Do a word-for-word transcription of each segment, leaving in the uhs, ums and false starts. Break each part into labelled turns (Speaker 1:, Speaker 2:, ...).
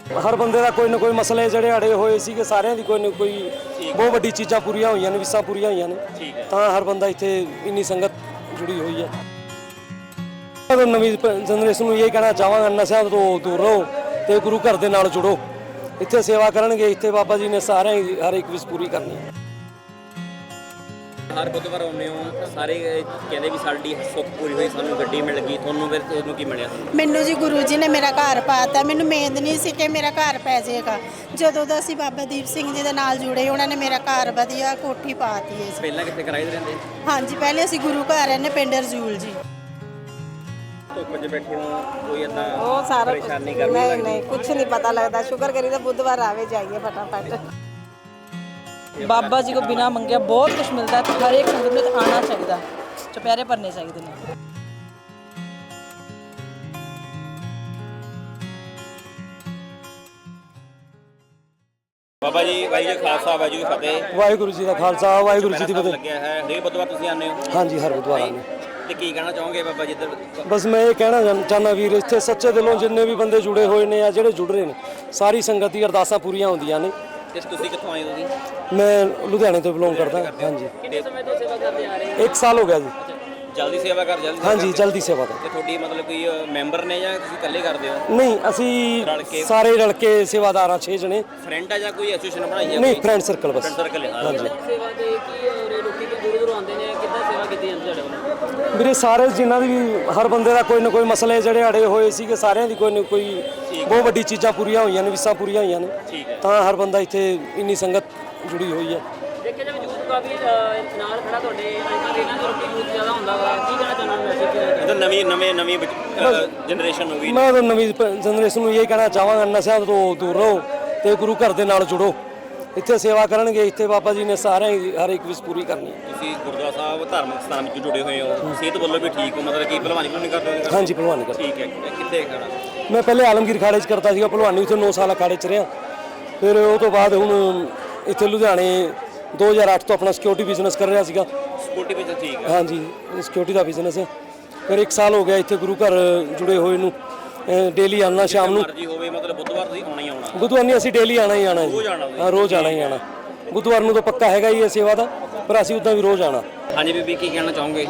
Speaker 1: हर बंदे का कोई ना कोई मसले ਜਿਹੜੇ ਅੜੇ ਹੋਏ ਸੀਗੇ ਸਾਰਿਆਂ ਦੀ ਕੋਈ ਨਾ ਕੋਈ ਬਹੁਤ ਵੱਡੀ ਚੀਜ਼ਾਂ ਪੂਰੀਆਂ ਹੋਈਆਂ ਨੇ ਵਿਸਾਂ ਪੂਰੀਆਂ ਹੋਈਆਂ ਨੇ ਤਾਂ ਹਰ ਬੰਦਾ ਇੱਥੇ ਇੰਨੀ ਸੰਗਤ ਜੁੜੀ ਹੋਈ ਹੈ। ਮੈਂ ਨਵੀਂ ਜਨਰੇਸ਼ਨ ਨੂੰ ਇਹ ਕਹਿਣਾ ਚਾਹਾਂਗਾ ਨਸ਼ਿਆਂ ਤੋਂ ਦੂਰ ਰਹੋ ਤੇ ਗੁਰੂ ਘਰ ਦੇ ਨਾਲ ਜੁੜੋ। ਇੱਥੇ ਸੇਵਾ ਕਰਨਗੇ ਇੱਥੇ ਬਾਬਾ ਜੀ ਨੇ ਸਾਰਿਆਂ ਦੀ ਹਰ ਇੱਕ ਵਿਸ ਪੂਰੀ ਕਰਨੀ ਹੈ।
Speaker 2: हर बुधवार आने हो सारे कहते भी साड़ी सुख पूरी हुई सानू गड्डी मिल गई थोनू फिर थोनू की मिलिया
Speaker 3: ਮੈਨੂੰ ਜੀ ਗੁਰੂ ਜੀ ਨੇ ਮੇਰਾ ਘਰ ਪਾਤਾ ਮੈਨੂੰ ਉਮੀਦ ਨਹੀਂ ਸੀ ਕਿ ਮੇਰਾ ਘਰ ਪੈ ਜਾਏਗਾ। ਜਦੋਂ ਦਾ ਅਸੀਂ ਬਾਬਾ ਦੀਪ ਸਿੰਘ ਜੀ ਦੇ ਨਾਲ ਜੁੜੇ ਉਹਨਾਂ ਨੇ ਮੇਰਾ ਘਰ ਵਧੀਆ ਕੋਠੀ ਪਾਤੀ ਹੈ।
Speaker 2: ਪਹਿਲਾਂ ਕਿੱਥੇ ਕਿਰਾਏ ਤੇ ਰਹਿੰਦੇ?
Speaker 3: ਹਾਂਜੀ ਪਹਿਲੇ ਅਸੀਂ ਗੁਰੂ ਘਰ ਰਹਿੰਦੇ ਪਿੰਡ ਰਜੂਲ ਜੀ।
Speaker 2: ਧੁੱਪ 'ਚ ਬੈਠੇ ਹੋ ਕੋਈ ਏਦਾਂ
Speaker 4: ਉਹ ਸਾਰਾ
Speaker 2: ਪਰੇਸ਼ਾਨੀ ਕਰਨੀ
Speaker 4: ਨਹੀਂ
Speaker 2: ਲੱਗਦੀ?
Speaker 4: ਨਹੀਂ ਕੁਝ ਨਹੀਂ ਪਤਾ ਲੱਗਦਾ। ਸ਼ੁਕਰ ਕਰੀਦਾ ਬੁੱਧਵਾਰ ਆਵੇ ਜਾਈਏ फटाफट।
Speaker 5: बाबा जी को बिना मंगे बहुत कुछ मिलता है तो हर एक संगत में आना चाहिए, चुपहरे भरने चाहिए ने।
Speaker 2: ਬਾਬਾ ਜੀ ਵਾਹਿਗੁਰੂ ਜੀ ਖਾਲਸਾ ਵਾਹਿਗੁਰੂ ਜੀ ਫਤਿਹ।
Speaker 1: ਵਾਹਿਗੁਰੂ ਜੀ ਦਾ ਖਾਲਸਾ ਵਾਹਿਗੁਰੂ ਜੀ ਦੀ ਫਤਿਹ।
Speaker 2: ਲੱਗਿਆ ਹੈ ਹਰੇਕ ਬੁੱਧਵਾਰ ਤੁਸੀਂ ਆਉਂਦੇ ਹੋ?
Speaker 1: ਹਾਂਜੀ ਹਰ ਬੁੱਧਵਾਰ ਆਉਂਦੇ।
Speaker 2: ਤੇ ਕੀ ਕਹਿਣਾ ਚਾਹੋਗੇ ਬਾਬਾ ਜੀ ਇੱਧਰ?
Speaker 1: ਬਸ ਮੈਂ ਇਹ ਕਹਿਣਾ ਚਾਹੁੰਦਾ ਵੀਰ ਇੱਥੇ ਸੱਚੇ ਦਿਲੋਂ ਜਿੰਨੇ ਵੀ ਬੰਦੇ ਜੁੜੇ ਹੋਏ ਨੇ ਆ ਜਿਹੜੇ ਜੁੜ ਰਹੇ ਨੇ ਸਾਰੀ ਸੰਗਤ ਦੀ ਅਰਦਾਸਾਂ ਪੂਰੀਆਂ ਹੁੰਦੀਆਂ ਨੇ।
Speaker 2: ਤੇ ਤੁਸੀਂ ਕਿੱਥੋਂ ਆਏ ਹੋ ਜੀ?
Speaker 1: ਮੈਂ ਲੁਧਿਆਣੇ ਤੋਂ ਬਿਲੋਂਗ ਕਰਦਾ। ਹਾਂਜੀ
Speaker 2: ਕਿੰਨੇ ਸਮੇਂ ਤੋਂ ਸੇਵਾ ਕਰਦੇ ਆ ਰਹੇ ਹੋ?
Speaker 1: ਇੱਕ ਸਾਲ ਹੋ ਗਿਆ ਜੀ।
Speaker 2: ਜਲਦੀ ਸੇਵਾ ਕਰ ਜਲਦੀ
Speaker 1: ਹਾਂਜੀ ਜਲਦੀ ਸੇਵਾ ਦਾ।
Speaker 2: ਤੇ ਤੁਹਾਡੀ ਮਤਲਬ ਕੋਈ ਮੈਂਬਰ ਨੇ ਜਾਂ ਤੁਸੀਂ ਇਕੱਲੇ ਕਰਦੇ ਹੋ?
Speaker 1: ਨਹੀਂ
Speaker 2: ਰਲ
Speaker 1: ਅਸੀਂ
Speaker 2: ਕੇ?
Speaker 1: ਸਾਰੇ ਰਲ ਕੇ ਸੇਵਾਦਾਰਾਂ ਛੇ ਜਣੇ।
Speaker 2: ਫਰੈਂਡ ਆ ਜਾਂ ਕੋਈ ਐਸੋਸੀਏਸ਼ਨ ਬਣਾਈ ਹੈ?
Speaker 1: ਨਹੀਂ ਫਰੈਂਡ ਸਰਕਲ ਬਸ।
Speaker 2: ਫਰੈਂਡ ਸਰਕਲ ਹੈ।
Speaker 1: ਹਾਂਜੀ
Speaker 2: ਸੇਵਾ ਦੇ ਕੀ ਔਰ ਲੋਕੀ ਕਿ ਦੂਰ ਦੂਰ ਆਉਂਦੇ ਨੇ ਕਿੱਦਾਂ ਸੇਵਾ ਕੀਤੀ ਜਾਂਦੀ ਤੁਹਾਡੇ ਵੱਲੋਂ?
Speaker 1: ਵੀਰੇ ਸਾਰੇ ਜਿਨ੍ਹਾਂ ਦੀ ਵੀ ਹਰ ਬੰਦੇ ਦਾ ਕੋਈ ਨਾ ਕੋਈ ਮਸਲੇ ਜਿਹੜੇ ਅੜੇ ਹੋਏ ਸੀਗੇ ਸਾਰਿਆਂ ਦੀ ਕੋਈ ਨਾ ਕੋਈ ਬਹੁਤ ਵੱਡੀ ਚੀਜ਼ਾਂ ਪੂਰੀਆਂ ਹੋਈਆਂ ਨੇ ਵਿਸਾਂ ਪੂਰੀਆਂ ਹੋਈਆਂ ਨੇ ਤਾਂ ਹਰ ਬੰਦਾ ਇੱਥੇ ਇੰਨੀ ਸੰਗਤ ਜੁੜੀ ਹੋਈ ਹੈ।
Speaker 6: ਦੇਖਿਆ ਜਾਵੇ ਯੂਥ ਕਾਫੀ ਨਾਲ ਖੜਾ ਤੁਹਾਡੇ ਅੱਜ ਇਹਨਾਂ ਦੇ ਲੋਕੀ ਯੂਥ ਜ਼ਿਆਦਾ ਹੁੰਦਾ ਵਾ ਕੀ ਕਹਿਣਾ ਚਾਹੁੰਦਾ ਮੈਸੇਜ?
Speaker 2: ਇਹ ਤਾਂ ਨਵੀਂ ਨਵੇਂ ਨਵੀਂ ਜਨਰੇਸ਼ਨ ਹੋ ਗਈ।
Speaker 1: ਮੈਂ ਤਾਂ ਨਵੀਂ ਜਨਰੇਸ਼ਨ ਨੂੰ ਇਹ ਕਹਿਣਾ ਚਾਹਾਂਗਾ ਨਸ਼ਿਆਂ ਤੋਂ ਦੂਰ ਰਹੋ ਤੇ ਗੁਰੂ ਘਰ ਦੇ ਨਾਲ ਜੁੜੋ। ਇੱਥੇ ਸੇਵਾ ਕਰਨਗੇ ਇੱਥੇ ਬਾਬਾ ਜੀ ਨੇ ਸਾਰਿਆਂ ਦੀ ਹਰ ਇੱਕ ਵਿਸ ਪੂਰੀ ਕਰਨੀ ਹੈ।
Speaker 2: ਤੁਸੀਂ ਗੁਰਦੁਆਰਾ ਸਾਹਿਬ ਧਾਰਮਿਕ ਸਥਾਨ ਵਿੱਚ ਜੁੜੇ ਹੋਏ ਹੋ, ਸਿਹਤ ਵੱਲੋਂ ਵੀ ਠੀਕ ਹੋ, ਮਤਲਬ ਕਿ ਭਲਵਾਨੀ ਭਲਵਾਨੀ ਕਰਦੇ ਹੋ?
Speaker 1: ਹਾਂਜੀ ਭਲਵਾਨੀ ਕਰ।
Speaker 2: ਠੀਕ ਹੈ। ਕਿੱਥੇ ਖੜਾ?
Speaker 1: ਮੈਂ ਪਹਿਲੇ ਆਲਮਗੀਰ ਖਾੜੇ 'ਚ ਕਰਦਾ ਸੀਗਾ ਭਲਵਾਨੀ, ਉੱਥੇ ਨੌ ਸਾਲ ਅਖਾੜੇ 'ਚ ਰਿਹਾ। ਫਿਰ ਉਹ ਤੋਂ ਬਾਅਦ ਹੁਣ ਇੱਥੇ ਲੁਧਿਆਣੇ ਦੋ ਹਜ਼ਾਰ ਅੱਠ ਤੋਂ ਆਪਣਾ ਸਿਕਿਉਰਿਟੀ ਬਿਜ਼ਨਸ ਕਰ ਰਿਹਾ ਸੀਗਾ।
Speaker 2: ਸਿਕਿਉਰਿਟੀ ਵਿੱਚ ਠੀਕ ਹੈ।
Speaker 1: ਹਾਂਜੀ ਸਿਕਿਉਰਿਟੀ ਦਾ ਬਿਜ਼ਨਸ ਹੈ। ਫਿਰ ਇੱਕ ਸਾਲ ਹੋ ਗਿਆ ਇੱਥੇ ਗੁਰੂ ਘਰ ਜੁੜੇ ਹੋਏ ਨੂੰ। ਡੇਲੀ ਆਉਣਾ ਸ਼ਾਮ ਨੂੰ।
Speaker 2: ਮਰਜ਼ੀ ਹੋਵੇ ਮਤਲਬ ਬੁੱਧਵਾਰ ਤੁਸੀਂ ਆਉਣਾ ਹੀ ਆਉਣਾ?
Speaker 1: ਬੁੱਧਵਾਰ ਨਹੀਂ ਅਸੀਂ ਡੇਲੀ ਆਉਣਾ ਹੀ ਆਉਣਾ ਜੀ। ਹਾਂ ਰੋਜ਼ ਆਉਣਾ ਹੀ ਆਉਣਾ। ਬੁੱਧਵਾਰ ਨੂੰ ਤਾਂ ਪੱਕਾ ਹੈਗਾ ਹੀ ਇਹ ਸੇਵਾ ਦਾ, ਪਰ ਅਸੀਂ ਉੱਦਾਂ ਵੀ ਰੋਜ਼ ਆਉਣਾ।
Speaker 2: ਹਾਂਜੀ ਬੀਬੀ ਕੀ ਕਹਿਣਾ ਚਾਹੋਗੇ?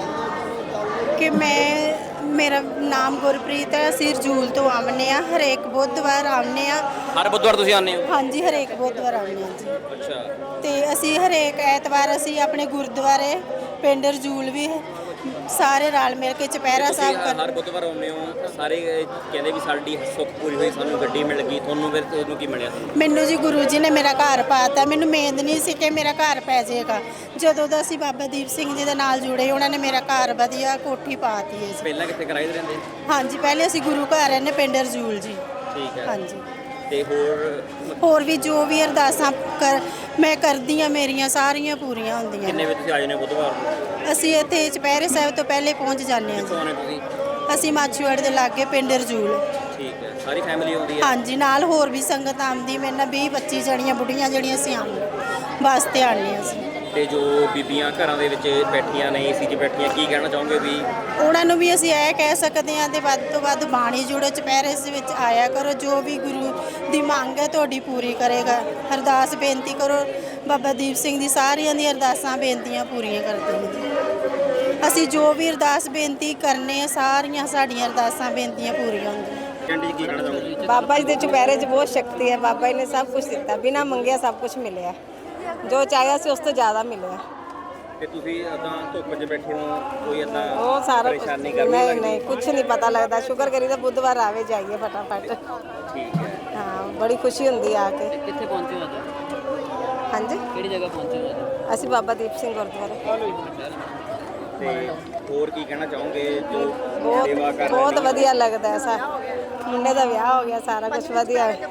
Speaker 3: ਕਿ ਮੈਂ ਮੇਰਾ ਨਾਮ ਗੁਰਪ੍ਰੀਤ ਹੈ। ਅਸੀਂ ਰਜੂਲ ਤੋਂ ਆਉਂਦੇ ਆ ਹਰੇਕ ਬੁੱਧਵਾਰ ਆਉਂਦੇ ਆ।
Speaker 2: ਹਰ ਬੁੱਧਵਾਰ ਤੁਸੀਂ ਆਉਂਦੇ ਹੋ?
Speaker 3: ਹਾਂਜੀ ਹਰੇਕ ਬੁੱਧਵਾਰ ਆਉਂਦੇ ਆ ਜੀ।
Speaker 2: ਅੱਛਾ।
Speaker 3: ਤੇ ਅਸੀਂ ਹਰੇਕ ਐਤਵਾਰ ਅਸੀਂ ਆਪਣੇ ਗੁਰਦੁਆਰੇ ਪਿੰਡ ਰਜੂਲ ਵੀ ਸਾਰੇ ਰਲ ਮਿਲ ਕੇ ਚੁਪਹਿਰਾ ਸਾਹਿਬ ਕਰ।
Speaker 2: ਹਰ ਬੁੱਧਵਾਰ ਆਉਂਦੇ ਹੋ ਸਾਰੇ ਕਹਿੰਦੇ ਵੀ ਸਾਡੀ ਸੁੱਖ ਪੂਰੀ ਹੋਈ ਸਾਨੂ ਗੱਡੀ ਮਿਲ ਗਈ ਥੋਨੂ ਫਿਰ ਤੁਹਾਨੂੰ ਕੀ ਮਿਲਿਆ?
Speaker 3: ਮੈਨੂੰ ਜੀ ਗੁਰੂ ਜੀ ਨੇ ਮੇਰਾ ਘਰ ਪਾਤਾ ਮੈਨੂੰ ਉਮੀਦ ਨਹੀਂ ਸੀ ਕਿ ਮੇਰਾ ਘਰ ਪੈ ਜਾਏਗਾ। ਜਦੋਂ ਦਾ ਅਸੀਂ ਬਾਬਾ ਦੀਪ ਸਿੰਘ ਜੀ ਦੇ ਨਾਲ ਜੁੜੇ ਉਹਨਾਂ ਨੇ ਮੇਰਾ ਘਰ ਵਧੀਆ ਕੋਠੀ ਪਾਤੀ ਹੈ।
Speaker 2: ਪਹਿਲਾਂ ਕਿੱਥੇ ਕਿਰਾਏ ਤੇ ਰਹਿੰਦੇ?
Speaker 3: ਹਾਂਜੀ ਪਹਿਲੇ ਅਸੀਂ ਗੁਰੂ ਘਰ ਰਹਿੰਦੇ ਪਿੰਡ ਰਜੂਲ ਜੀ।
Speaker 2: ਠੀਕ ਹੈ।
Speaker 3: ਹਾਂਜੀ
Speaker 2: ਤੇ ਹੋਰ
Speaker 3: ਹੋਰ ਵੀ ਜੋ ਵੀ ਅਰਦਾਸਾਂ ਕਰ ਮੈਂ ਕਰਦੀ ਆ ਮੇਰੀਆਂ ਸਾਰੀਆਂ ਪੂਰੀਆਂ ਹੁੰਦੀਆਂ
Speaker 2: ਕਿੰਨੇ
Speaker 3: ਨੇ।
Speaker 2: ਵਜੇ ਤੁਸੀਂ ਆ ਜਾਂਦੇ ਹੋ ਬੁੱਧਵਾਰ ਨੂੰ?
Speaker 3: ਅਸੀਂ ਇੱਥੇ ਚੁਪਹਿਰੇ ਸਾਹਿਬ ਤੋਂ ਪਹਿਲੇ ਪਹੁੰਚ ਜਾਂਦੇ ਹਾਂ
Speaker 2: ਕਿੱਥੋਂ ਆਉਂਦੇ ਤੁਸੀਂ?
Speaker 3: ਜੀ। ਅਸੀਂ ਮਾਛੀਵਾੜੇ ਦੇ ਲਾਗੇ ਪਿੰਡ ਰਜੂਲ।
Speaker 2: ਠੀਕ ਹੈ। ਸਾਰੀ ਫੈਮਿਲੀ ਆਉਂਦੀ ਹੈ?
Speaker 3: ਹਾਂਜੀ ਨਾਲ ਹੋਰ ਵੀ ਸੰਗਤ ਆਉਂਦੀ ਮੇਰੇ ਨਾਲ ਵੀਹ ਪੱਚੀ ਜਣੀਆਂ ਬੁੱਢੀਆਂ ਜਿਹੜੀਆਂ ਅਸੀਂ ਆਉਂਦੇ ਬੱਸ ਤੇ ਆਉਂਦੇ ਅਸੀਂ।
Speaker 2: ਤੇ ਜੋ ਬੀਬੀਆਂ ਘਰਾਂ ਦੇ ਵਿੱਚ ਬੈਠੀਆਂ ਨੇ ਏਸੀ 'ਚ ਬੈਠੀਆਂ ਕੀ ਕਹਿਣਾ ਚਾਹੋਗੇ ਵੀ?
Speaker 3: ਉਹਨਾਂ ਨੂੰ ਵੀ ਅਸੀਂ ਇਹ ਕਹਿ ਸਕਦੇ ਹਾਂ ਤੇ ਵੱਧ ਤੋਂ ਵੱਧ ਬਾਣੀ ਜੁੜੋ ਚੁਪਹਿਰੇ ਦੇ ਵਿੱਚ ਆਇਆ ਕਰੋ। ਜੋ ਵੀ ਗੁਰੂ ਦੀ ਮੰਗ ਹੈ ਤੁਹਾਡੀ ਪੂਰੀ ਕਰੇਗਾ। ਅਰਦਾਸ ਬੇਨਤੀ ਕਰੋ ਬਾਬਾ ਦੀਪ ਸਿੰਘ ਦੀ ਸਾਰੀਆਂ ਦੀ ਅਰਦਾਸਾਂ ਬੇਨਤੀਆਂ ਪੂਰੀਆਂ ਕਰਦੇ ਨੇ। ਅਸੀਂ ਜੋ ਵੀ ਅਰਦਾਸ ਬੇਨਤੀ ਕਰਨੇ ਆ ਸਾਰੀਆਂ ਸਾਡੀਆਂ ਅਰਦਾਸਾਂ ਬੇਨਤੀਆਂ ਪੂਰੀਆਂ ਹੁੰਦੀਆਂ।
Speaker 2: ਕਹਿੰਦੀ ਕੀ ਕਹਿਣਾ ਚਾਹੋਗੇ?
Speaker 4: ਬਾਬਾ ਜੀ ਦੇ ਚੁਪਹਿਰੇ 'ਚ ਬਹੁਤ ਸ਼ਕਤੀ ਹੈ। ਬਾਬਾ ਜੀ ਨੇ ਸਭ ਕੁਝ ਦਿੱਤਾ, ਬਿਨਾ ਮੰਗਿਆ ਸਭ ਕੁਝ ਮਿਲਿਆ। ਜੋ ਚਾਹਿਆ ਸੀ ਉਸ ਤੋਂ ਜ਼ਿਆਦਾ ਮਿਲਿਆ।
Speaker 2: ਤੇ ਤੁਸੀਂ ਇਦਾਂ ਧੁੱਪ 'ਚ ਬੈਠੇ ਹੋ ਕੋਈ ਇਦਾਂ
Speaker 4: ਉਹ ਸਾਰਾ
Speaker 2: ਪਰੇਸ਼ਾਨੀ
Speaker 4: ਕੁਝ
Speaker 2: ਕਰਨੀ
Speaker 4: ਨਹੀਂ
Speaker 2: ਲੱਗਦੀ?
Speaker 4: ਨਹੀਂ ਕੁਝ ਨਹੀਂ ਪਤਾ ਲੱਗਦਾ। ਸ਼ੁਕਰ ਕਰੀਦਾ ਬੁੱਧਵਾਰ ਆਵੇ ਜਾਈਏ ਫਟਾਫਟ।
Speaker 2: ਠੀਕ ਹੈ।
Speaker 4: ਹਾਂ ਬੜੀ ਖੁਸ਼ੀ ਹੁੰਦੀ ਆ ਕੇ।
Speaker 6: ਕਿੱਥੇ ਪਹੁੰਚੇ ਹੋ ਅੱਜ?
Speaker 4: ਹਾਂਜੀ
Speaker 6: ਕਿਹੜੀ ਜਗ੍ਹਾ ਪਹੁੰਚੇ ਹੋ ਅੱਜ?
Speaker 4: ਅਸੀਂ ਬਾਬਾ ਦੀਪ ਸਿੰਘ ਗੁਰਦੁਆਰੇ।
Speaker 2: ਤੇ ਹੋਰ ਕੀ ਕਹਿਣਾ ਚਾਹੋਗੇ ਜੋ
Speaker 4: ਬਹੁਤ
Speaker 2: ਸੇਵਾ ਕਰ ਰਹੇ
Speaker 4: ਬਹੁਤ
Speaker 2: ਨੇ?
Speaker 4: ਵਧੀਆ ਲੱਗਦਾ ਹੈ। ਸਾ ਮੁੰਡੇ ਦਾ ਵਿਆਹ ਹੋ ਗਿਆ, ਸਾਰਾ ਕੁਝ ਵਧੀਆ ਹੈ।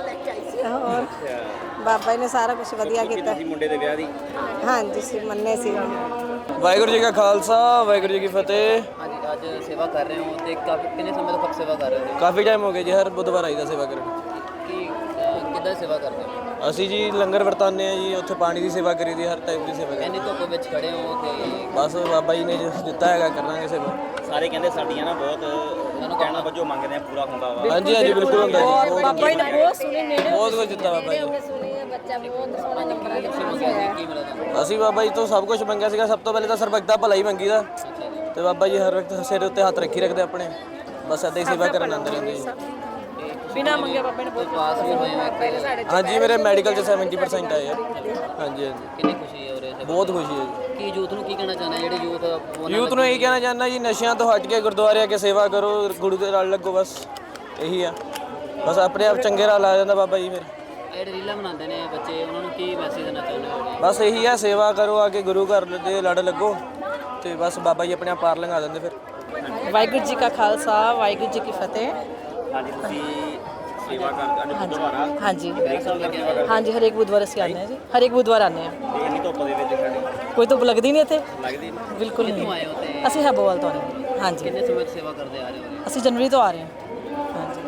Speaker 4: ਹੋਰ ਬਾਬਾ ਜੀ ਨੇ ਸਾਰਾ ਕੁਝ ਵਧੀਆ ਕੀਤਾ।
Speaker 2: ਤੁਸੀਂ ਮੁੰਡੇ ਦੇ ਵਿਆਹ ਦੀ?
Speaker 4: ਹਾਂਜੀ ਸੀ ਮੰਨੇ ਸੀ।
Speaker 7: ਵਾਹਿਗੁਰੂ ਜੀ ਕਾ ਖਾਲਸਾ ਵਾਹਿਗੁਰੂ ਜੀ ਕੀ ਫਤਿਹ।
Speaker 6: ਹਾਂਜੀ ਅੱਜ ਸੇਵਾ ਕਰ ਰਹੇ ਹੋ ਤੇ ਕਾਫੀ ਕਿੰਨੇ ਸਮੇਂ ਤੋਂ ਸੇਵਾ ਕਰ ਰਹੇ ਹੋ?
Speaker 7: ਕਾਫੀ ਟਾਈਮ ਹੋ ਗਿਆ ਜੀ, ਹਰ ਬੁੱਧਵਾਰ ਆਈਦਾ ਸੇਵਾ ਕਰਨ।
Speaker 6: ਕੀ ਅਹ,
Speaker 2: ਕਿੱਦਾਂ ਸੇਵਾ ਕਰਦੇ ਹੋ?
Speaker 7: ਅਸੀਂ ਜੀ ਲੰਗਰ ਵਰਤਾਉਂਦੇ ਆ ਜੀ, ਉੱਥੇ ਪਾਣੀ ਦੀ ਸੇਵਾ ਕਰੀ ਦੀ, ਹਰ ਟਾਈਪ ਦੀ ਸੇਵਾ ਕਰੀ
Speaker 2: ਇੰਨੀ ਧੁੱਪ ਵਿੱਚ ਖੜੇ ਹੋ ਤੇ
Speaker 7: ਬਸ ਬਾਬਾ ਜੀ ਨੇ ਜੋ ਦਿੱਤਾ ਹੈਗਾ ਕਰਾਂਗੇ ਸੇਵਾ।
Speaker 2: ਸਾਰੇ ਕਹਿੰਦੇ ਸਾਡੀਆਂ ਨਾ ਬਹੁਤ ਉਹਨਾਂ ਨੂੰ ਕਹਿਣਾ ਵਜੋਂ ਮੰਗਦੇ ਆ ਪੂਰਾ ਹੁੰਦਾ ਵਾ।
Speaker 7: ਹਾਂਜੀ ਹਾਂਜੀ ਬਿਲਕੁਲ ਹੁੰਦਾ ਜੀ, ਬਹੁਤ
Speaker 5: ਬਾਬਾ ਜੀ ਨੇ ਬਹੁਤ ਸੁਣੀ ਨੇੜੇ
Speaker 7: ਬਹੁਤ ਕੁਝ ਦਿੱਤਾ ਬਾਬਾ ਜੀ ਨੇ।
Speaker 4: ਬੱਚਾ ਬਹੁਤ ਸੋਹਣਾ ਨੰਬਰ ਆ
Speaker 2: ਕੀ ਮਿਲਿਆ ਤੁਹਾਨੂੰ?
Speaker 7: ਅਸੀਂ ਬਾਬਾ ਜੀ ਤੋਂ ਸਭ ਕੁਝ ਮੰਗਿਆ ਸੀਗਾ। ਸਭ ਤੋਂ ਪਹਿਲੇ ਤਾਂ ਸਰਬੱਤ ਦਾ ਭਲਾ ਹੀ ਮੰਗੀ ਦਾ, ਤੇ ਬਾਬਾ ਜੀ ਹਰ ਵਕਤ ਸਿਰ ਉੱਤੇ ਹੱਥ ਰੱਖੀ ਰੱਖਦੇ ਆਪਣੇ, ਬਸ ਏਦਾਂ ਹੀ ਸੇਵਾ ਕਰਨ ਆਉਂਦੇ ਰਹਿੰਦੇ ਜੀ।
Speaker 5: ਬਿਨਾ ਮੰਗੇ ਬਾਬਾ ਨੇ ਬਹੁਤ
Speaker 2: ਪਾਸ ਵੀ ਹੋਏ ਹੋ ਇੱਕ
Speaker 7: ਹਾਂਜੀ ਮੇਰੇ ਮੈਡੀਕਲ 'ਚ ਸੈਵਨਟੀ ਪਰਸੈਂਟ ਆਏ ਆ। ਹਾਂਜੀ ਹਾਂਜੀ
Speaker 2: ਕਿੰਨੀ ਖੁਸ਼ੀ ਹੈ ਉਰੇ?
Speaker 7: ਬਹੁਤ ਖੁਸ਼ੀ ਹੈ ਜੀ।
Speaker 2: ਕੀ ਯੂਥ ਨੂੰ ਕੀ ਕਹਿਣਾ ਚਾਹੁੰਦੇ ਜਿਹੜੇ ਯੂਥ ਉਹਨਾਂ
Speaker 7: ਯੂਥ ਨੂੰ ਇਹ ਕਹਿਣਾ ਚਾਹੁੰਦਾ ਜੀ, ਨਸ਼ਿਆਂ ਤੋਂ ਹਟ ਕੇ ਗੁਰਦੁਆਰੇ ਆ ਕੇ ਸੇਵਾ ਕਰੋ, ਗੁਰੂ ਦੇ ਨਾਲ ਲੱਗੋ, ਬਸ ਇਹੀ ਆ। ਬਸ ਆਪਣੇ ਆਪ ਚੰਗੇ ਰਾਹ ਲਾ ਜਾਂਦਾ ਬਾਬਾ ਜੀ ਫਿਰ।
Speaker 2: ਜਿਹੜੇ ਰੀਲਾਂ ਬਣਾਉਂਦੇ ਨੇ ਬੱਚੇ ਉਹਨਾਂ ਨੂੰ ਕੀ ਮੈਸੇਜ ਦੇਣਾ ਚਾਹੁੰਦੇ ਹੋ?
Speaker 7: ਬਸ ਇਹੀ ਆ, ਸੇਵਾ ਕਰੋ, ਆ ਕੇ ਗੁਰੂ ਘਰ ਦੇ ਲੜ ਲੱਗੋ, ਤੇ ਬਸ ਬਾਬਾ ਜੀ ਆਪਣੇ ਆਪ ਪਾਰ ਲੰਘਾ ਦਿੰਦੇ ਫਿਰ।
Speaker 5: ਵਾਹਿਗੁਰੂ ਜੀ ਕਾ ਖਾਲਸਾ ਵਾਹਿਗੁਰੂ ਜੀ ਕੀ ਫਤਿਹ।
Speaker 2: ਹਾਂਜੀ ਤੁਸੀਂ ਸੇਵਾ ਕਰਦੇ ਅੱਜ ਬੁੱਧਵਾਰ
Speaker 5: ਹਾਂਜੀ
Speaker 2: ਹਰੇਕ ਸਾਲ ਲੱਗਿਆ ਵਾ
Speaker 5: ਹਾਂਜੀ ਹਰੇਕ ਬੁੱਧਵਾਰ ਅਸੀਂ ਆਉਂਦੇ ਹਾਂ ਜੀ, ਹਰੇਕ ਬੁੱਧਵਾਰ ਆਉਂਦੇ ਹਾਂ।
Speaker 2: ਤੇ ਇੰਨੀ ਧੁੱਪ ਦੇ ਵਿੱਚ ਖੜੇ
Speaker 5: ਕੋਈ ਧੁੱਪ ਲੱਗਦੀ ਨਹੀਂ ਇੱਥੇ,
Speaker 2: ਲੱਗਦੀ ਨਹੀਂ?
Speaker 5: ਬਿਲਕੁਲ
Speaker 2: ਕਿੱਥੋਂ ਆਏ
Speaker 5: ਨਹੀਂ।
Speaker 2: ਹੋ ਤੇ
Speaker 5: ਅਸੀਂ ਹੈਬੋਵਾਲ ਤੋਂ ਆਏ ਹਾਂ। ਹਾਂਜੀ
Speaker 2: ਕਿੰਨੇ ਸਮੇਂ ਤੋਂ ਸੇਵਾ ਕਰਦੇ ਆ ਰਹੇ ਹੋ?
Speaker 5: ਅਸੀਂ ਜਨਵਰੀ ਤੋਂ ਆ ਰਹੇ ਹਾਂ। ਹਾਂਜੀ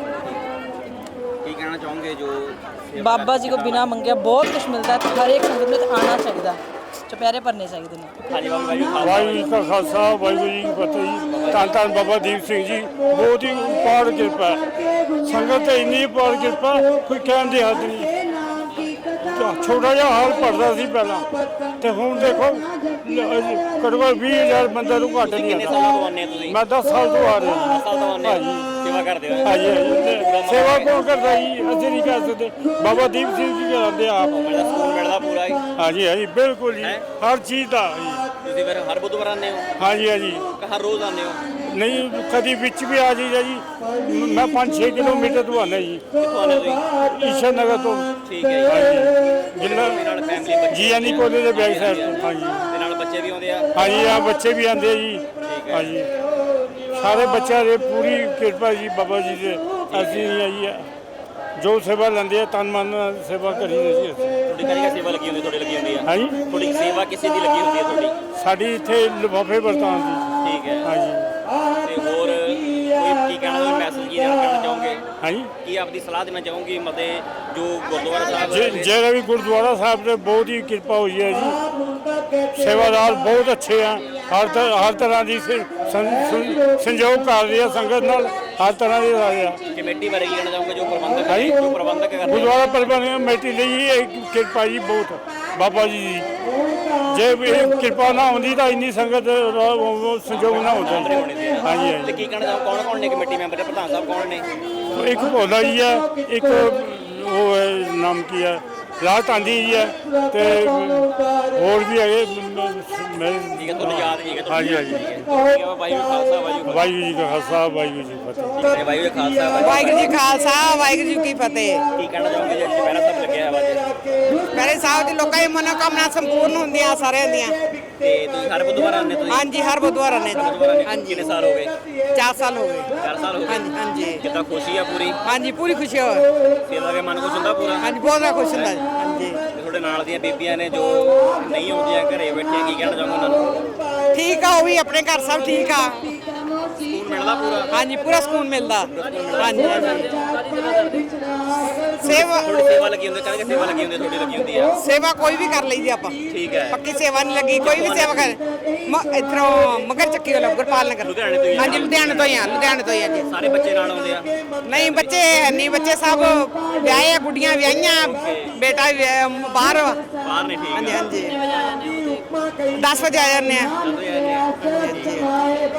Speaker 2: ਕੀ ਕਹਿਣਾ ਚਾਹੋਗੇ ਜੋ ਸੇਵਾ
Speaker 5: ਬਾਬਾ ਜੀ ਕੋ ਬਿਨਾ ਮੰਗਿਆ ਬਹੁਤ ਕੁਝ ਮਿਲਦਾ ਹੈ। ਹਰ ਇੱਕ ਸੰਗਤ ਨੂੰ ਇੱਥੇ ਆਉਣਾ ਚਾਹੀਦਾ, ਚੁਪਹਿਰੇ ਭਰਨੇ ਚਾਹੀਦੇ ਨੇ।
Speaker 2: ਹਾਂਜੀ ਬਾਬਾ ਜੀ ਖਾਲਸਾ
Speaker 1: ਵਾਹਿਗੁਰੂ ਜੀ ਕਾ ਖਾਲਸਾ ਵਾਹਿਗੁਰੂ ਜੀ ਕੀ ਫਤਿਹ ਜੀ। ਧੰਨ ਧੰਨ ਬਾਬਾ ਦੀਪ ਸਿੰਘ ਜੀ, ਬਹੁਤ ਹੀ ਉਪਾਰ ਕਿਰਪਾ ਹੈ। ਸੰਗਤ ਤੇ ਇੰਨੀ ਉਪਾਰ ਕਿਰਪਾ ਕੋਈ ਕਹਿਣ ਦੀ ਹੱਦ ਨਹੀਂ। ਛੋਟਾ ਜਿਹਾ ਹਾਲ ਭਰਦਾ ਸੀ ਪਹਿਲਾਂ, ਤੇ ਹੁਣ ਦੇਖੋ ਘੱਟੋ ਘੱਟ ਵੀਹ ਹਜ਼ਾਰ ਬੰਦੇ ਨੂੰ ਘੱਟ ਨਹੀਂ
Speaker 2: ਕਿੰਨੇ
Speaker 1: ਆਉਂਦਾ।
Speaker 2: ਸਾਲਾਂ ਤੋਂ ਆਉਂਦੇ ਹੋ ਤੁਸੀਂ?
Speaker 1: ਮੈਂ ਦਸ ਸਾਲ ਤੋਂ ਆ ਰਿਹਾ ਜੀ।
Speaker 2: ਦਸ ਸਾਲ ਤੋਂ ਆਉਂਦੇ ਹੋ ਸੇਵਾ ਕਰਦੇ ਹੋ?
Speaker 1: ਹਾਂਜੀ ਹਾਂਜੀ ਤੇ ਸੇਵਾ ਕੌਣ ਕਰਦਾ ਜੀ, ਅਸੀਂ ਨਹੀਂ ਕਰ ਸਕਦੇ, ਬਾਬਾ ਦੀਪ ਸਿੰਘ ਜੀ ਕਰਾਉਂਦੇ ਆਪ।
Speaker 2: ਮਿਲਦਾ ਸਕੂਨ ਮਿਲਦਾ ਪੂਰਾ ਹੀ?
Speaker 1: ਹਾਂਜੀ ਹਾਂਜੀ ਬਿਲਕੁਲ ਜੀ, ਹਰ ਚੀਜ਼ ਦਾ ਜੀ।
Speaker 2: ਤੁਸੀਂ ਫਿਰ ਹਰ ਬੁੱਧਵਾਰ ਆਉਂਦੇ ਹੋ
Speaker 1: ਹਾਂਜੀ ਹਾਂਜੀ
Speaker 2: ਕਿ ਹਰ ਰੋਜ਼ ਆਉਂਦੇ ਹੋ?
Speaker 1: ਨਹੀਂ ਕਦੀ ਵਿੱਚ ਵੀ ਆ ਜਾਈਦਾ ਜੀ। ਮੈਂ ਪੰਜ ਛੇ ਕਿਲੋਮੀਟਰ ਤੋਂ ਆਉਂਦਾ ਜੀ,
Speaker 2: ਕਿੱਥੋਂ ਆਉਂਦੇ ਤੁਸੀਂ?
Speaker 1: ਈਸ਼ਰ ਨਗਰ ਤੋਂ।
Speaker 2: ਠੀਕ ਹੈ ਜੀ।
Speaker 1: ਹਾਂਜੀ ਜ਼ਿਲ੍ਹਾ
Speaker 2: ਤੇ ਨਾਲ ਫੈਮਿਲੀ ਬੱਚੇ
Speaker 1: ਜੀ ਐਨ ਈ ਕਾਲਜ ਦੇ ਬੈਕ ਸਾਈਡ ਤੋਂ। ਹਾਂਜੀ
Speaker 2: ਤੇ ਨਾਲ ਬੱਚੇ ਵੀ ਆਉਂਦੇ ਆ?
Speaker 1: ਹਾਂਜੀ ਆ ਬੱਚੇ ਵੀ ਆਉਂਦੇ ਆ ਜੀ। ਹਾਂਜੀ ਸਾਰੇ ਬੱਚਿਆਂ ਦੇ ਪੂਰੀ ਕਿਰਪਾ ਜੀ ਬਾਬਾ ਜੀ ਦੇ। ਅਸੀਂ ਆਈ ਆ ਜੋ ਸੇਵਾ ਲੈਂਦੇ ਆ ਤਨ ਮਨ ਨਾਲ ਸੇਵਾ ਕਰੀਦੀ ਜੀ ਅਸੀਂ।
Speaker 2: ਤੁਹਾਡੀ ਕਿਹੜੀ ਸੇਵਾ ਲੱਗੀ ਹੁੰਦੀ? ਤੁਹਾਡੀ ਲੱਗੀ ਹੁੰਦੀ ਆ?
Speaker 1: ਹਾਂਜੀ
Speaker 2: ਤੁਹਾਡੀ ਸੇਵਾ ਕਿਸੇ ਦੀ ਲੱਗੀ ਹੁੰਦੀ ਹੈ ਤੁਹਾਡੀ?
Speaker 1: ਸਾਡੀ ਇੱਥੇ ਲਿਫਾਫੇ ਵਰਤਾਉਣ ਦੀ।
Speaker 2: ਠੀਕ ਹੈ।
Speaker 1: ਹਾਂਜੀ
Speaker 2: ਤੇ ਹੋਰ ਕੋਈ ਕੀ ਕਹਿਣਾ, ਕੋਈ ਮੈਸੇਜ ਕੀ ਦੇਣਾ ਕਰਨਾ ਚਾਹੋਗੇ?
Speaker 1: ਹਾਂਜੀ
Speaker 2: ਕੀ ਆਪਦੀ ਸਲਾਹ ਦੇਣਾ ਚਾਹੋਗੇ ਮਤਲਬ ਜੋ ਗੁਰਦੁਆਰਾ ਸਾਹਿਬ
Speaker 1: ਜੇ
Speaker 2: ਦੇ-
Speaker 1: ਜਿਹੜਾ ਵੀ ਗੁਰਦੁਆਰਾ ਸਾਹਿਬ ਤੇ ਬਹੁਤ ਹੀ ਕਿਰਪਾ ਹੋਈ ਹੈ ਜੀ। ਸੇਵਾਦਾਰ ਬਹੁਤ ਅੱਛੇ ਆ, ਹਰ ਤ- ਹਰ ਤਰ੍ਹਾਂ ਦੀ ਸੇ- ਸੰ- ਸੰ- ਸੰਯੋਗ ਕਰ ਰਹੀ ਆ ਸੰਗਤ ਨਾਲ, ਹਰ ਤਰ੍ਹਾਂ ਦੇ ਆ।
Speaker 2: ਕਮੇਟੀ ਬਾਰੇ ਕੀ ਕਹਿਣਾ ਚਾਹੋਗੇ ਜੋ ਪ੍ਰਬੰਧਕ
Speaker 1: ਹਾਂਜੀ।
Speaker 2: ਜੋ ਪ੍ਰਬੰਧਕ ਕਰਦੇ ਆ?
Speaker 1: ਗੁਰਦੁਆਰਾ ਪ੍ਰਬੰਧਕ ਕਮੇਟੀ ਲਈ ਇਹ ਕਿਰਪਾ ਜੀ ਬਹੁਤ ਬਾਬਾ ਜੀ ਦੀ। ਜੇ ਵੀ ਇਹ ਕਿਰਪਾ ਨਾ ਹੁੰਦੀ ਤਾਂ ਇੰਨੀ ਸੰਗਤ ਦਾ ਉਹ ਸੰਯੋਗ ਨਾ ਹੁੰਦਾ। ਹਾਂਜੀ
Speaker 2: ਤੇ
Speaker 1: ਹਾਂਜੀ
Speaker 2: ਕੀ ਕਹਿਣਾ ਚਾਹੋ ਕੌਣ ਕੌਣ ਨੇ ਕਮੇਟੀ ਮੈਂਬਰ ਦੇ? ਪ੍ਰਧਾਨ ਸਾਹਿਬ ਕੌਣ ਨੇ?
Speaker 1: ਇੱਕ ਭੋਲਾ ਜੀ ਹੈ, ਇੱਕ ਉਹ ਹੈ ਨਾਮ ਕੀ ਹੈ ਰਾਜ ਤਾਂਦੀ ਜੀ ਹੈ, ਤੇ ਹੋਰ ਵੀ ਹੈਗੇ ਮੈਂ
Speaker 2: ਠੀਕ ਹੈ, ਤੁਹਾਨੂੰ ਯਾਦ ਨਹੀਂ ਹੈਗਾ?
Speaker 1: ਹਾਂਜੀ ਹਾਂਜੀ
Speaker 2: ਠੀਕ ਹੈ ਵਾਹਿਗੁਰੂ ਖਾਲਸਾ ਵਾਹਿਗੁਰੂ
Speaker 1: ਵਾਹਿਗੁਰੂ ਜੀ ਕਾ ਖਾਲਸਾ ਵਾਹਿਗੁਰੂ ਜੀ ਕੀ ਫਤਿਹ।
Speaker 2: ਫਤਿਹ। ਵਾਹਿਗੁਰੂ ਖਾਲਸਾ
Speaker 8: ਵਾਹਿਗੁਰੂ ਜੀ ਖਾਲਸਾ ਵਾਹਿਗੁਰੂ ਜੀ ਕੀ ਫਤਿਹ।
Speaker 2: ਕੀ ਕਹਿਣਾ ਚਾਹੋਗੇ ਜੀ ਚੁਪਹਿਰਾ ਸਾਹਿਬ ਲੱਗਿਆ ਹੋਇਆ ਅੱਜ?
Speaker 8: ਮੇਰੇ ਸਾਹਿਬ ਦੀ ਲੋਕਾਂ ਦੀ ਮਨੋਕਾਮਨਾ ਸੰਪੂਰਨ ਹੁੰਦੀਆਂ ਸਾਰਿਆਂ ਦੀਆਂ।
Speaker 2: ਤੇ ਤੁਸੀਂ ਹਰ ਬੁੱਧਵਾਰ ਆਉਂਦੇ ਤੁਸੀਂ?
Speaker 8: ਹਾਂਜੀ ਹਰ ਬੁੱਧਵਾਰ ਆਉਂਦੇ
Speaker 2: ਬੁੱਧਵਾਰ ਆਉਂਦੇ?
Speaker 8: ਜੀ। ਹਾਂਜੀ
Speaker 2: ਕਿੰਨੇ ਸਾਲ ਹੋ ਗਏ?
Speaker 8: ਚਾਰ ਸਾਲ ਹੋ ਗਏ।
Speaker 2: ਚਾਰ ਸਾਲ ਹੋ ਗਏ?
Speaker 8: ਹਾਂਜੀ ਹਾਂਜੀ
Speaker 2: ਕਿੱਦਾਂ ਖੁਸ਼ੀ ਆ ਪੂਰੀ?
Speaker 8: ਹਾਂਜੀ ਪੂਰੀ ਖੁਸ਼ੀ ਹੋ
Speaker 2: ਸੇਵਾ ਦੇ ਮਨ ਖੁਸ਼ ਹੁੰਦਾ ਪੂਰਾ?
Speaker 8: ਹਾਂਜੀ ਬਹੁਤ ਜ਼ਿਆਦਾ ਖੁਸ਼ ਹੁੰਦਾ ਜੀ। ਹਾਂਜੀ
Speaker 2: ਤੇ ਤੁਹਾਡੇ ਨਾਲ ਦੀਆਂ ਬੀਬੀਆਂ ਨੇ ਜੋ ਨਹੀਂ ਆਉਂਦੀਆਂ ਘਰੇ ਬੈਠੀਆਂ, ਕੀ ਕਹਿਣਾ ਚਾਹੋਗੇ ਉਹਨਾਂ ਨੂੰ?
Speaker 8: ਠੀਕ ਆ, ਉਹ ਵੀ ਆਪਣੇ ਘਰ ਸਭ ਠੀਕ ਆ।
Speaker 2: ਸਕੂਨ ਮਿਲਦਾ ਪੂਰਾ?
Speaker 8: ਹਾਂਜੀ ਪੂਰਾ ਸਕੂਨ ਮਿਲਦਾ। ਹਾਂਜੀ ਹਾਂਜੀ ਸੇਵਾ
Speaker 2: ਤੁਹਾਡੀ ਸੇਵਾ ਲੱਗੀ ਹੁੰਦੀ? ਕਹਿੰਦੇ ਸੇਵਾ ਲੱਗੀ ਹੁੰਦੀ ਤੁਹਾਡੀ ਲੱਗੀ ਹੁੰਦੀ ਆ?
Speaker 8: ਸੇਵਾ ਕੋਈ ਵੀ ਕਰ ਲਈਦੀ ਆਪਾਂ।
Speaker 2: ਠੀਕ ਹੈ।
Speaker 8: ਪੱਕੀ ਸੇਵਾ ਨਹੀਂ ਲੱਗੀ, ਕੋਈ ਵੀ ਸੇਵਾ ਕਰ ਮ- ਇੱਧਰੋਂ ਮਗਰ ਚੱਕੀ ਵਾਲਾ ਗੁਰਪਾਲ ਨਗਰ।
Speaker 2: ਲੁਧਿਆਣੇ ਤੋਂ ਹੀ?
Speaker 8: ਹਾਂਜੀ ਲੁਧਿਆਣੇ ਤੋਂ ਹੀ ਆ, ਲੁਧਿਆਣੇ ਤੋਂ ਹੀ ਆ ਜੀ।
Speaker 2: ਸਾਰੇ ਬੱਚੇ ਨਾਲ ਆਉਂਦੇ ਆ?
Speaker 8: ਨਹੀਂ ਬੱਚੇ ਹੈ ਨਹੀਂ, ਬੱਚੇ ਸਭ ਵਿਆਹੇ ਆ, ਗੁੱਡੀਆਂ ਵਿਆਹੀਆਂ, ਬੇਟਾ ਵੀ ਵਿਆਹਿਆ, ਬਾਹਰ ਵਾ।
Speaker 2: ਬਾਹਰ ਨੇ? ਠੀਕ
Speaker 8: ਹਾਂਜੀ
Speaker 2: ਹੈ।
Speaker 8: ਹਾਂਜੀ ਦਸ ਵਜੇ ਆ ਜਾਂਦੇ ਆ।
Speaker 2: ਚਲੋ ਯਾਰ ਜੀ।
Speaker 8: ਹਾਂਜੀ